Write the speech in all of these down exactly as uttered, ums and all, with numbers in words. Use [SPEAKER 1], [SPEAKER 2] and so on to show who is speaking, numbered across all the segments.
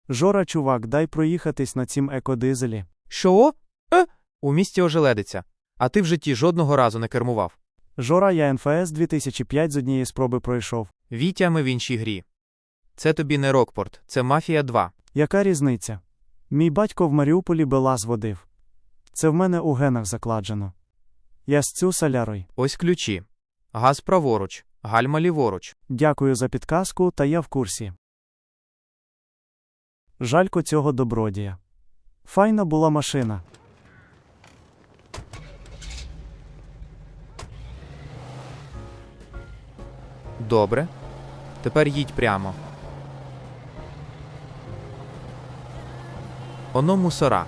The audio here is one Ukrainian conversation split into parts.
[SPEAKER 1] Жора, чувак, дай проїхатись на цім екодизелі.
[SPEAKER 2] Що? Е? У місті ожеледиться. А ти в житті жодного разу не кермував.
[SPEAKER 1] Жора, я ен еф ес дві тисячі п'ять з однієї спроби пройшов.
[SPEAKER 2] Вітя, ми в іншій грі. Це тобі не Рокпорт, це Мафія два.
[SPEAKER 1] Яка різниця? Мій батько в Маріуполі БелАЗ водив. Це в мене у генах закладено. Я з цю солярой.
[SPEAKER 2] Ось ключі. Газ праворуч, гальма ліворуч.
[SPEAKER 1] Дякую за підказку, та я в курсі. Жалько цього добродія. Файна була машина.
[SPEAKER 2] Добре. Тепер їдь прямо. Оно мусора.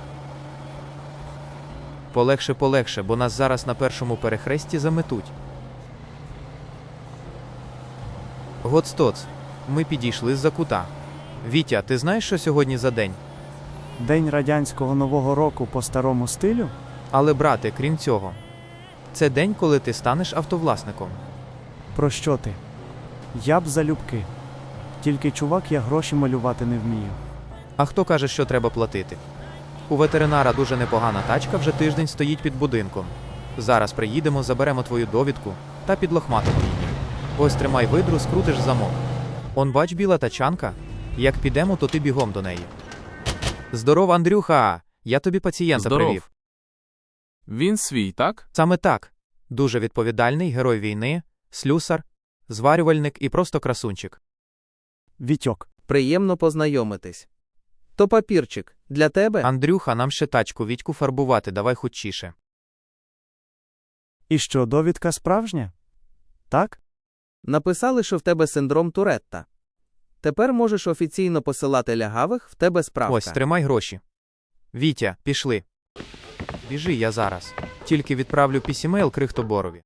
[SPEAKER 2] Полегше, полегше, бо нас зараз на першому перехресті заметуть. Гоцтоц. Ми підійшли з-за кута. Вітя, ти знаєш, що сьогодні за день?
[SPEAKER 1] День радянського Нового року по старому стилю?
[SPEAKER 2] Але, брате, крім цього, це день, коли ти станеш автовласником.
[SPEAKER 1] Про що ти? Я б залюбки. Тільки, чувак, я гроші малювати не вмію.
[SPEAKER 2] А хто каже, що треба платити? У ветеринара дуже непогана тачка вже тиждень стоїть під будинком. Зараз приїдемо, заберемо твою довідку та підлохматимо її. Ось тримай видру, скрутиш замок. Он бач, біла тачанка? Як підемо, то ти бігом до неї. Здоров, Андрюха! Я тобі пацієнта
[SPEAKER 3] Здоров.
[SPEAKER 2] привів.
[SPEAKER 3] Він свій, так?
[SPEAKER 2] Саме так. Дуже відповідальний, герой війни, слюсар, зварювальник і просто красунчик.
[SPEAKER 1] Вітьок.
[SPEAKER 4] Приємно познайомитись. То папірчик, для тебе?
[SPEAKER 2] Андрюха, нам ще тачку Вітьку фарбувати, давай хутчіше.
[SPEAKER 1] І що, довідка справжня? Так?
[SPEAKER 4] Написали, що в тебе синдром Туретта. Тепер можеш офіційно посилати лягавих, в тебе справка.
[SPEAKER 2] Ось, тримай гроші. Вітя, пішли. Біжи, я зараз. Тільки відправлю пісімейл Крихтоборові.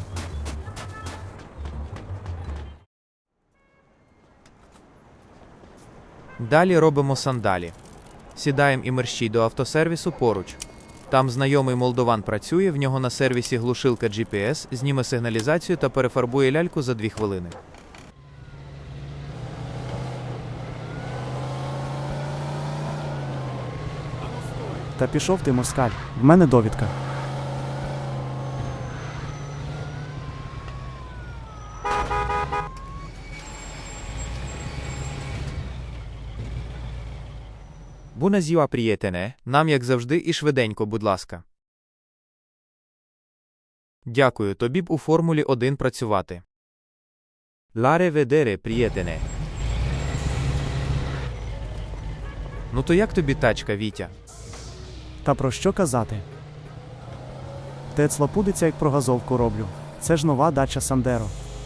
[SPEAKER 2] Далі робимо сандалі. Сідаємо і мерщій до автосервісу поруч. Там знайомий молдован працює, в нього на сервісі глушилка джі пі ес, зніме сигналізацію та перефарбує ляльку за дві хвилини.
[SPEAKER 1] Та пішов ти, москаль. В мене довідка.
[SPEAKER 2] Буназіва, приєтене, нам як завжди і швиденько, будь ласка. Дякую, тобі б у Формулі один працювати. Ларе ведере, приєтене. Ну то як тобі тачка, Вітя?
[SPEAKER 1] Та про що казати? Тецла пудиться, як про газовку роблю. Це ж нова дача Сандеро.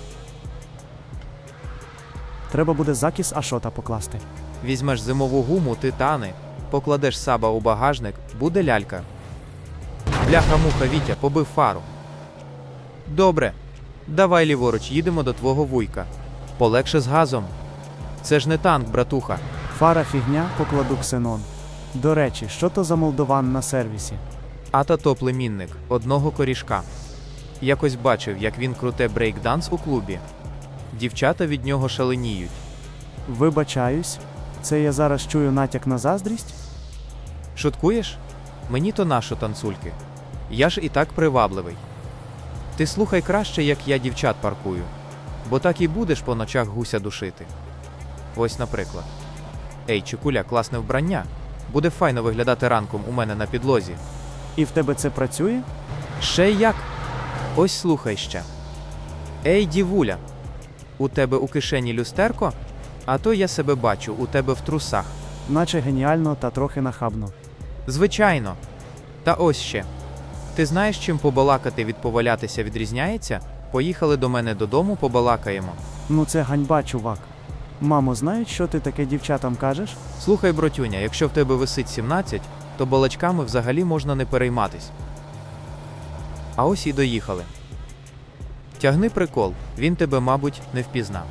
[SPEAKER 1] Треба буде закіс Ашота покласти.
[SPEAKER 2] Візьмеш зимову гуму, титани, покладеш саба у багажник, буде лялька. Бляха-муха, Вітя, побив фару. Добре. Давай ліворуч, їдемо до твого вуйка. Полегше з газом. Це ж не танк, братуха.
[SPEAKER 1] Фара фігня, покладу ксенон. До речі, що то за молдован на сервісі?
[SPEAKER 2] А та то племінник одного корішка. Якось бачив, як він круте брейкданс у клубі. Дівчата від нього шаленіють.
[SPEAKER 1] Вибачаюсь, це я зараз чую натяк на заздрість?
[SPEAKER 2] Шуткуєш? Мені то нащо танцульки. Я ж і так привабливий. Ти слухай краще, як я дівчат паркую. Бо так і будеш по ночах гуся душити. Ось, наприклад. Ей, чекуля, класне вбрання. Буде файно виглядати ранком у мене на підлозі.
[SPEAKER 1] І в тебе це працює?
[SPEAKER 2] Ще як? Ось слухай ще. Ей, дівуля, у тебе у кишені люстерко? А то я себе бачу, у тебе в трусах.
[SPEAKER 1] Наче геніально та трохи нахабно.
[SPEAKER 2] Звичайно. Та ось ще. Ти знаєш, чим побалакати від повалятися відрізняється? Поїхали до мене додому, побалакаємо.
[SPEAKER 1] Ну це ганьба, чувак. Мамо, знають, що ти таке дівчатам кажеш?
[SPEAKER 2] Слухай, братюня, якщо в тебе висить сімнадцять, то балачками взагалі можна не перейматись. А ось і доїхали. Тягни прикол, він тебе, мабуть, не впізнав.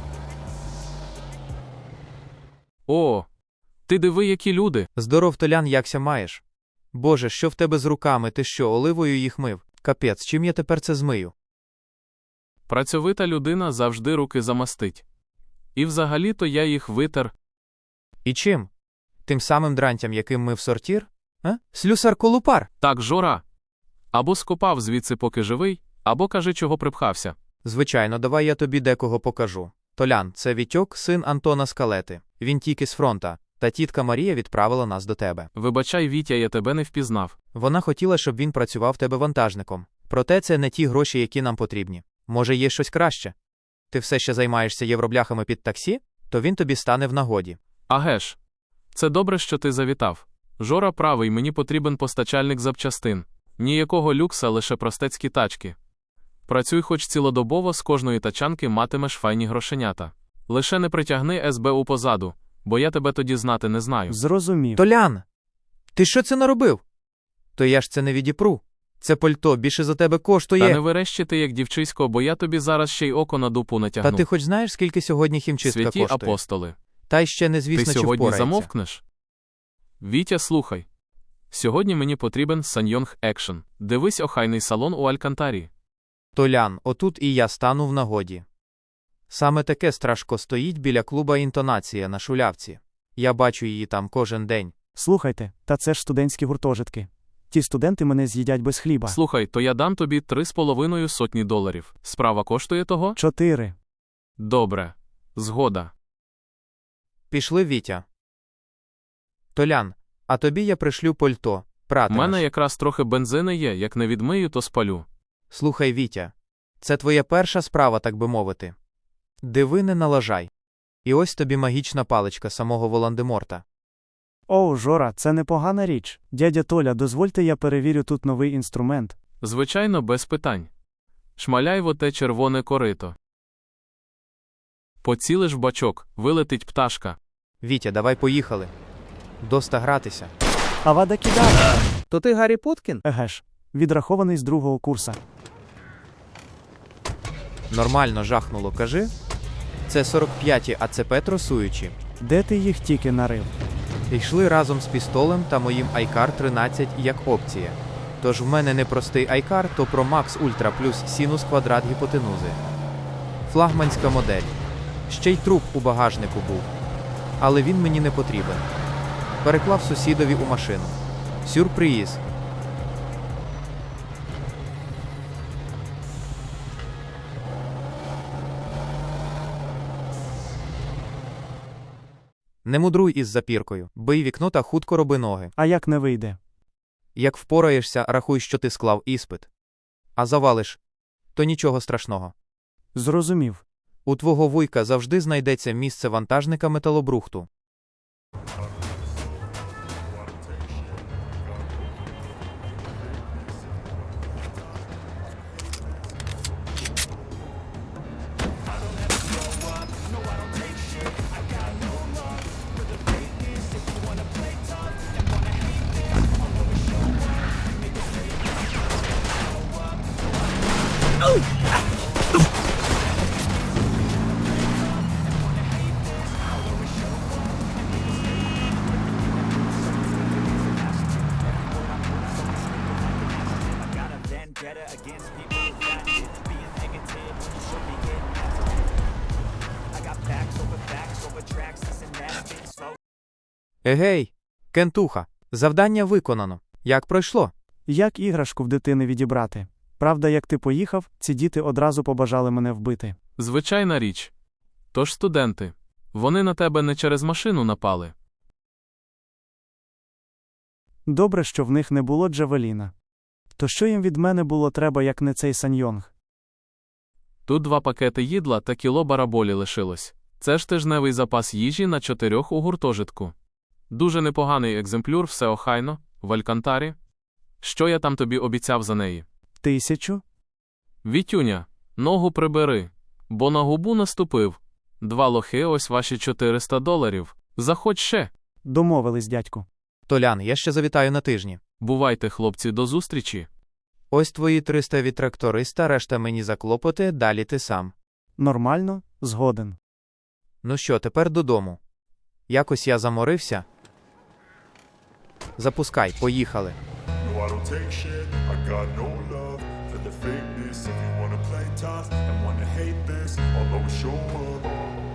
[SPEAKER 3] О, ти диви, які люди.
[SPEAKER 2] Здоров, Толян, якся маєш? Боже, що в тебе з руками, ти що, оливою їх мив? Капець, чим я тепер це змию?
[SPEAKER 3] Працьовита людина завжди руки замастить. І взагалі-то я їх витер.
[SPEAKER 2] І чим? Тим самим дрантям, яким ми в сортір? А? Слюсар Колупар!
[SPEAKER 3] Так, Жора. Або скопав звідси, поки живий, або кажи, чого припхався.
[SPEAKER 2] Звичайно, давай я тобі декого покажу. Толян, це Вітьок, син Антона Скалети. Він тільки з фронта, та тітка Марія відправила нас до тебе.
[SPEAKER 3] Вибачай, Вітя, я тебе не впізнав.
[SPEAKER 2] Вона хотіла, щоб він працював в тебе вантажником. Проте це не ті гроші, які нам потрібні. Може, є щось краще? Ти все ще займаєшся євробляхами під таксі? То він тобі стане в нагоді.
[SPEAKER 3] Агеш. Це добре, що ти завітав. Жора правий, мені потрібен постачальник запчастин. Ніякого люкса, лише простецькі тачки. Працюй хоч цілодобово, з кожної тачанки матимеш файні грошенята. Лише не притягни ес бе у позаду, бо я тебе тоді знати не знаю.
[SPEAKER 1] Зрозумів.
[SPEAKER 2] Толян! Ти що це наробив? То я ж це не відіпру. Це пальто більше за тебе коштує.
[SPEAKER 3] Та не верещити, як дівчисько, бо я тобі зараз ще й око на дупу натягну.
[SPEAKER 2] Та ти хоч знаєш, скільки сьогодні хімчистка
[SPEAKER 3] Святі
[SPEAKER 2] коштує?
[SPEAKER 3] апостоли.
[SPEAKER 2] Та й ще незвісно,
[SPEAKER 3] Ти
[SPEAKER 2] чи
[SPEAKER 3] сьогодні
[SPEAKER 2] впорається.
[SPEAKER 3] замовкнеш? Вітя, слухай. Сьогодні мені потрібен Саньйонг Екшн. Дивись охайний салон у Алькантарі.
[SPEAKER 2] Толян, отут і я стану в нагоді. Саме таке страшко стоїть біля клуба «Інтонація» на Шулявці. Я бачу її там кожен день.
[SPEAKER 1] Слухайте, та це ж студентські гуртожитки. Ті студенти мене з'їдять без хліба.
[SPEAKER 3] Слухай, то я дам тобі три з половиною сотні доларів. Справа коштує того?
[SPEAKER 1] Чотири.
[SPEAKER 3] Добре. Згода.
[SPEAKER 2] Пішли, Вітя. Толян, а тобі я пришлю пальто.
[SPEAKER 3] У
[SPEAKER 2] Пратимеш.
[SPEAKER 3] мене якраз трохи бензини є, як не відмию, то спалю.
[SPEAKER 2] Слухай, Вітя, це твоя перша справа, так би мовити. Диви, не налажай. І ось тобі магічна паличка самого Волан-де-Морта.
[SPEAKER 1] Оу, Жора, це непогана річ. Дядя Толя, дозвольте я перевірю тут новий інструмент.
[SPEAKER 3] Звичайно, без питань. Шмаляй в оте червоне корито. Поцілиш в бачок, вилетить пташка.
[SPEAKER 2] Вітя, давай поїхали. Доста гратися.
[SPEAKER 1] Авада кидає.
[SPEAKER 4] То ти Гаррі Поткін?
[SPEAKER 1] Еге ж. Відрахований з другого курса.
[SPEAKER 2] Нормально жахнуло, кажи. Це сорок п'яті а це пе тросуючі.
[SPEAKER 1] Де ти їх тільки нарив?
[SPEAKER 2] Йшли разом з пістолем та моїм айкар тринадцять як опція. Тож в мене не простий айкар, то Pro Max Ultra плюс синус квадрат гіпотенузи. Флагманська модель. Ще й труп у багажнику був. Але він мені не потрібен. Переклав сусідові у машину. Сюрприз. Не мудруй із запіркою, бий вікно та хутко роби ноги.
[SPEAKER 1] А як не вийде?
[SPEAKER 2] Як впораєшся, рахуй, що ти склав іспит. А завалиш – то нічого страшного.
[SPEAKER 1] Зрозумів.
[SPEAKER 2] У твого вуйка завжди знайдеться місце вантажника металобрухту. Егей, кентуха, завдання виконано. Як пройшло?
[SPEAKER 1] Як іграшку в дитини відібрати? Правда, як ти поїхав, ці діти одразу побажали мене вбити.
[SPEAKER 3] Звичайна річ. Тож студенти. Вони на тебе не через машину напали.
[SPEAKER 1] Добре, що в них не було Джавеліна. То що їм від мене було треба, як не цей Саньйонг?
[SPEAKER 3] Тут два пакети їдла та кіло бараболі лишилось. Це ж тижневий запас їжі на чотирьох у гуртожитку. Дуже непоганий екземпляр, все охайно, в Алькантарі. Що я там тобі обіцяв за неї?
[SPEAKER 1] Тисячу?
[SPEAKER 3] Вітюня, ногу прибери, бо на губу наступив. Два лохи, ось ваші чотириста доларів. Заходь ще.
[SPEAKER 1] Домовились, дядьку.
[SPEAKER 2] Толян, я ще завітаю на тижні.
[SPEAKER 3] Бувайте, хлопці, до зустрічі.
[SPEAKER 2] Ось твої триста від тракториста, решта мені за клопоти, далі ти сам.
[SPEAKER 1] Нормально, згоден.
[SPEAKER 2] Ну що, тепер додому. Якось я заморився. Запускай, поїхали.
[SPEAKER 5] No, I don't take shit. I got no love for the fakeness. If you wanna play tough and wanna hate this, I'll always show up.